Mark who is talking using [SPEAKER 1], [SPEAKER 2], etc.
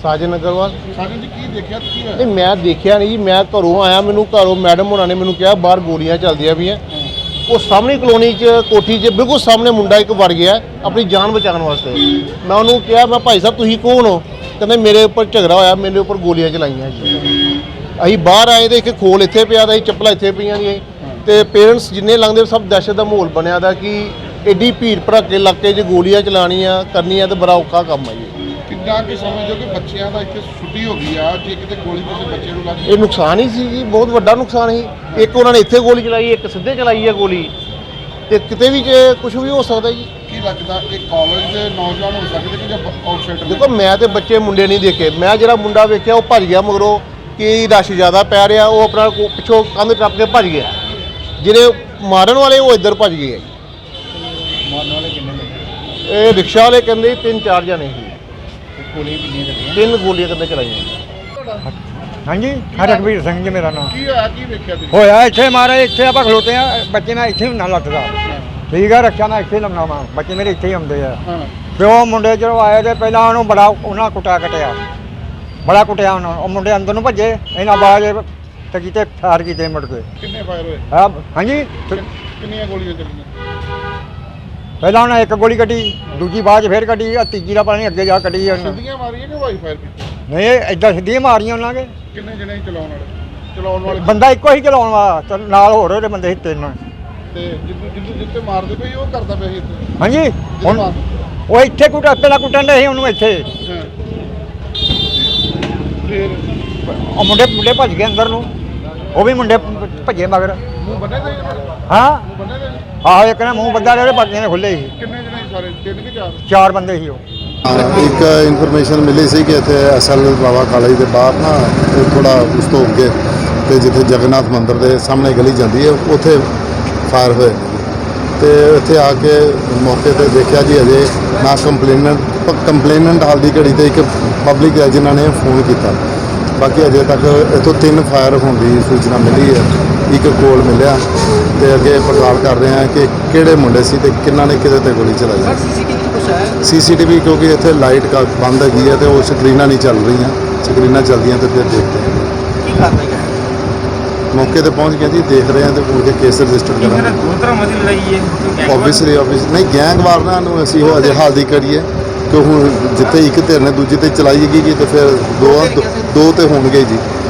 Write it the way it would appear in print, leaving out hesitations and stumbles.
[SPEAKER 1] साजन अग्रवाल।
[SPEAKER 2] साजन जी की देखा की है?
[SPEAKER 1] नहीं मैं देखा नहीं जी, मैं घरों आया, मैनू घरों मैडम होना ने मैनू कहा बाहर गोलियां चलदियां भी हैं। वो सामने कलोनी च कोठी च बिल्कुल सामने मुंडा एक वड़ गया अपनी जान बचाने वास्ते। मैं उन्होंने कहा मैं भाई साहब तुसीं कौन हो? कहते मेरे उपर झगड़ा होया, मेरे उपर गोलियां चलाइयां जी। असीं बाहर आए तो एक खोल इत्थे पिया दा, चप्पलां इत्थे पईयां दी, ते पेरेंट्स जिन्ने लंघदे सब दहशत दा माहौल बनिया दा कि एड्डी भीड़ भड़के इलाके 'च गोलियां चलानियां करनियां ते बड़ा औखा काम है जी।
[SPEAKER 2] कितना कि समझो कि बच्चों का इतने छुट्टी हो गई है जे कितने गोली किसी बच्चे को लग
[SPEAKER 1] ये नुकसान ही सी जी, बहुत वड्डा नुकसान ही। एक उन्होंने इत्थे गोली चलाई, एक सीधे चलाई है गोली, ते किते भी कुछ भी हो सकता जी।
[SPEAKER 2] की लगता एक कॉलेज के नौजवान हो सकते कि जब आउटसाइडर?
[SPEAKER 1] देखो मैं तो बच्चे मुंडे नहीं देखे, मैं जरा मुंडा वेख्या वो भज गया मगरों कि रश ज़्यादा पै रहा, वो अपना पिछों कंध टप के भज गया। जिहड़े मारन वाले वो इधर भज गए।
[SPEAKER 2] मारने वाले कितने लगे?
[SPEAKER 1] ये रिक्शा वाले कहते 3-4 जने ही,
[SPEAKER 2] गोली कितनी लगी?
[SPEAKER 1] 3 गोलियां कहते चलाइयां।
[SPEAKER 3] हाँ जी, रघबीर सिंह जी मेरा नाम।
[SPEAKER 2] की होया की वेख्या तुसीं?
[SPEAKER 3] होया इत्थे मारे, इत्थे आप खलोते हैं, बच्चे मैं इत्थे ना लटदा। ठीक है, रक्षा मैं इत्थे लमना वा, बच्चे मेरे इत्थे ही आउंदे आ।
[SPEAKER 2] हाँ
[SPEAKER 3] प्यो मुंडे जो आए ते पहला उन्होंने बड़ा उन्होंने कुटिया कटिया, बड़ा कुटिया उन्होंने। मुंडे अंदर नूं भजे, इन्हां बाज ते कीते फायर कीते मुड़ के।
[SPEAKER 2] कितने फायर हुए?
[SPEAKER 3] हाँ जी,
[SPEAKER 2] कितनी गोलियां चलियां?
[SPEAKER 3] पहला उन्हें एक गोली कटी, दूजी बाज फिर कटी, तीजी का पता नहीं अगे जा कटी।
[SPEAKER 2] सीधियां मारियां कि वाई फायर की?
[SPEAKER 3] नहीं इदा सीधियां मारियां उन्होंने।
[SPEAKER 2] कितने जने चलाने वाले?
[SPEAKER 3] बंदा एको ही चलाने वाला, ते नाल होर ओहदे बंदे ही 3।
[SPEAKER 2] ते जिद्दू जिद्दे मारदे पे वो करदा पे इत्थे?
[SPEAKER 3] हाँ जी, हुण वो इत्थे कुटा पहला कुटन दे उन्होंने इत्थे।
[SPEAKER 2] हाँ फिर
[SPEAKER 3] मुंडे मुंडे भज गए अंदर नूं, वो भी मुंडे भजे मगर।
[SPEAKER 2] मुंह बने थे?
[SPEAKER 3] हाँ
[SPEAKER 2] मुंह बने थे?
[SPEAKER 3] आहो, एक ने मुंह बंदा रहे, बाकी ने खुले ही।
[SPEAKER 2] कितने जने सारे? 3 कि 4?
[SPEAKER 3] 4 बंदे ही वो।
[SPEAKER 4] एक इन्फॉर्मेशन मिली सी कि इतने असल बाबा कालेज के बाहर ना थोड़ा उस तो अगे तो जिथे जगन्नाथ मंदिर के सामने गली जाती है उत्थे फायर होए तो इत्थे आके मौके पर देखा जी अजे ना कंप्लेनेंट हाल की घड़ी तो एक पब्लिक है जिन्होंने फोन किया। बाकी अजे तक इतों 3 फायर होने की सूचना मिली है, एक कोल मिलिया तो अगे पड़ताल कर रहे हैं कि किहड़े मुंडे सी ते किन्हां ने किहदे ते गोली चलाई। CCTV क्योंकि इतने लाइट का बंद है तो वो स्क्रीना नहीं चल रही हैं, स्क्रीना चलती तो फिर देखते हैं। मौके पर पहुँच गए जी, देख रहे हैं तो उनके केस रजिस्टर करेंगे। ऑब्वियसली नहीं गैंगवार ना असी वो अजे हाल की करिए कि हूँ जिते एक धिर ने दूजी ते चलाई गई तो फिर दो तो होणगे जी।